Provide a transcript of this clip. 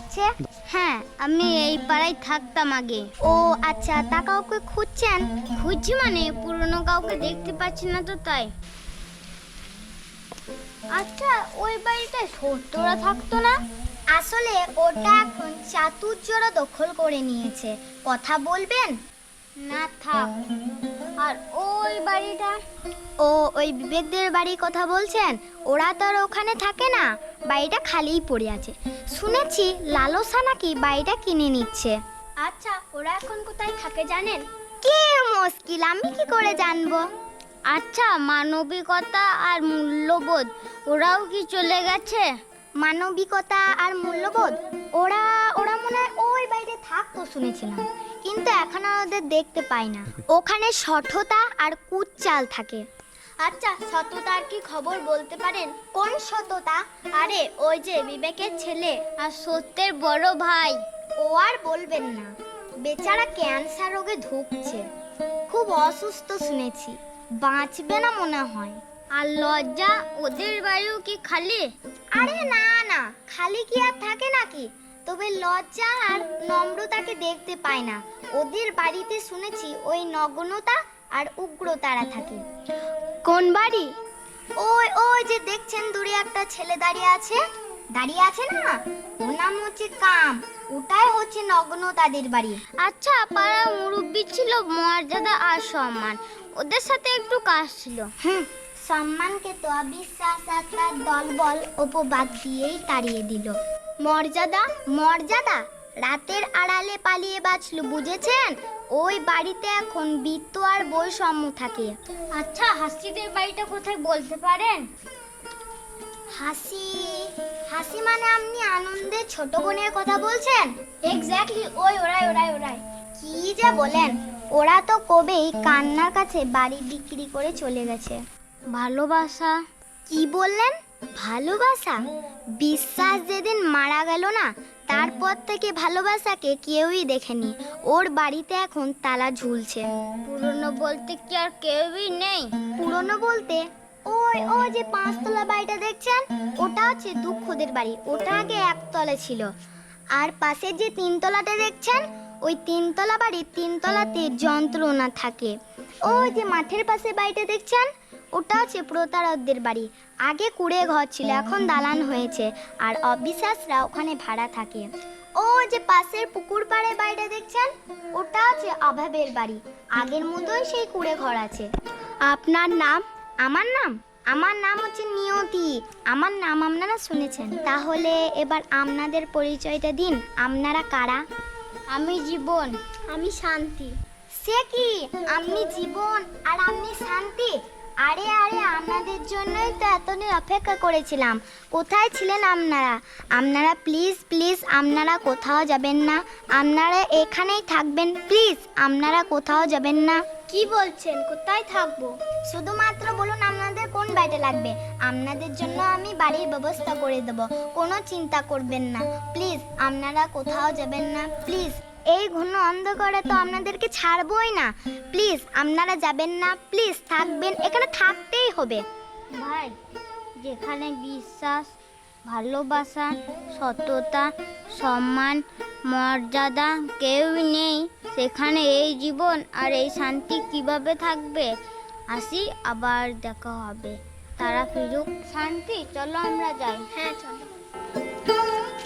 লাগছে? হ্যাঁ, আমি এই পাড়ায় থাকতাম আগে। ও আচ্ছা, তা কাউকে খুঁজছেন? খুঁজছি মানে পুরনো কাউকে দেখতে পাচ্ছি না তো তাই। আচ্ছা, ওই বাড়িতে সত্যরা থাকতো না? আসলে ওটা এখন চাতুর্যরা দখল করে নিয়েছে। কথা বলবেন? না থাক। আর ওই বাড়িটা? ও ওই বিবেকদের বাড়ির কথা বলছেন? ওরা তো আর ওখানে থাকে না, বাড়িটা খালিই পড়ে আছে। শুনেছি লালসা নাকি বাড়িটা কিনে নিচ্ছে। আচ্ছা, ওরা এখন কোথায় থাকে জানেন? কি মুশকিল, আমি কি করে জানবো? আচ্ছা, মানবিকতা আর মূল্যবোধ ওরাও কি চলে গেছে? মানবিকতা আর মূল্যবোধ ওরা ওরা মনে হয় ওই বাড়িতে থাকতো শুনেছিলাম, কিন্তু এখন আর ওদের দেখতে পাই না। ওখানে সততা আর কুচ্চাল থাকে। আচ্ছা, সততার কি খবর বলতে পারেন? কোন সততা? আরে ওই যে বিবেকের ছেলে আর সত্যের বড় ভাই। ও আর বলবেন না, বেচারা ক্যান্সার রোগে ধুঁকছে, খুব অসুস্থ শুনেছি, বাঁচবে না মনে হয়। আর লজ্জা, ওদের বাড়িও কি খালি? আরে না না, খালি কি আর থাকে নাকি? তবে লজ্জা আর নম্রতাকে দেখতে পায় না। ওদের বাড়িতে শুনেছি ওই নগ্নতা আর উগ্রতারা থাকে। কোন বাড়ি? ওই ওই যে দেখছেন দূরে একটা ছেলে দাঁড়িয়ে আছে না, ওর নাম হচ্ছে কাম। ওটাই হচ্ছে নগ্নতাদের বাড়ি। আচ্ছা, পাড়া মুরব্বি ছিল মর্যাদা আর সম্মান, ওদের সাথে একটু কাজ ছিল। সম্মানকে তো অবিশ্বাস আর তার দলবল উপবাদ দিয়েই তাড়িয়ে দিল। মর্যাদা মর্যাদা রাতের আড়ালে পালিয়ে বাঁচলো, বুঝেছেন? ওই বাড়িতে এখন বৃত্ত আর বৈষম্য থাকে। আচ্ছা, হাসিদের বাড়িটা কোথায় বলতে পারেন? হাসি হাসি মানে আপনি আনন্দের ছোট বোনের কথা বলছেন? এক্স্যাক্টলি, ওরাই। কি যে বলেন, ওরা তো কবেই কান্নার কাছে বাড়ি বিক্রি করে চলে গেছে। ভালোবাসা? কি বললেন? ভালোবাসা? বিশ্বাস যেদিন মারা গেল না, তারপর থেকে ভালোবাসাকে কেউই দেখেনি। ওর বাড়িতে এখন তালা ঝুলছে। পুরনো বলতে কি আর কেউই নেই? পুরনো বলতে ওই যে 5 তলা বাড়িটা দেখছেন, ওটা হচ্ছে দুঃখদের বাড়ি। ওটা আগে 1 তলা ছিল। আর পাশের যে 3 তলাটা দেখছেন, ওই 3 তলা বাড়ির 3 তলাতে যন্ত্রণা থাকে। ওই যে মাঠের পাশে বাড়িটা দেখছেন, ওটা হচ্ছে প্রতারকদের বাড়ি। আগে কুড়ে ঘর ছিল, এখন দালান হয়েছে, আর অবিশ্বাসরা ওখানে ভাড়া থাকে। ও যে পাশের পুকুর পাড়ে বাড়িটা দেখছেন, ওটা হচ্ছে অভাবের বাড়ি। আগের মতোই সেই কুড়ে ঘর আছে। আপনার নাম? আমার নাম হচ্ছে নিয়তি। আমার নাম আপনারা শুনেছেন। তাহলে এবার আপনাদের পরিচয়টা দিন, আপনারা কারা? আমি জীবন। আমি শান্তি। সে কি, আপনি জীবন আর আপনি শান্তি? আরে আপনাদের জন্যই তো এতদিন অপেক্ষা করেছিলাম। কোথায় ছিলেন আপনারা? প্লিজ আপনারা কোথাও যাবেন না, আপনারা এখানেই থাকবেন। প্লিজ আপনারা কোথাও যাবেন না। কি বলছেন, কোথায় থাকবো? শুধুমাত্র বলুন আপনাদের কোন বাড়িটা লাগবে, আপনাদের জন্য আমি বাড়ির ব্যবস্থা করে দেব। কোনো চিন্তা করবেন না। প্লিজ আপনারা কোথাও যাবেন না, প্লিজ। এই ঘন অন্ধকারে তো আপনাদেরকে ছাড়বই না। প্লিজ আপনারা যাবেন না, প্লিজ থাকবেন, এখানে থাকতেই হবে। ভাই, যেখানে বিশ্বাস, ভালোবাসা, সততা, সম্মান, মর্যাদা কেউই নেই, সেখানে এই জীবন আর এই শান্তি কিভাবে থাকবে? আসি, আবার দেখা হবে। তারা ফিরুক। শান্তি, চলো আমরা যাই। হ্যাঁ চলো।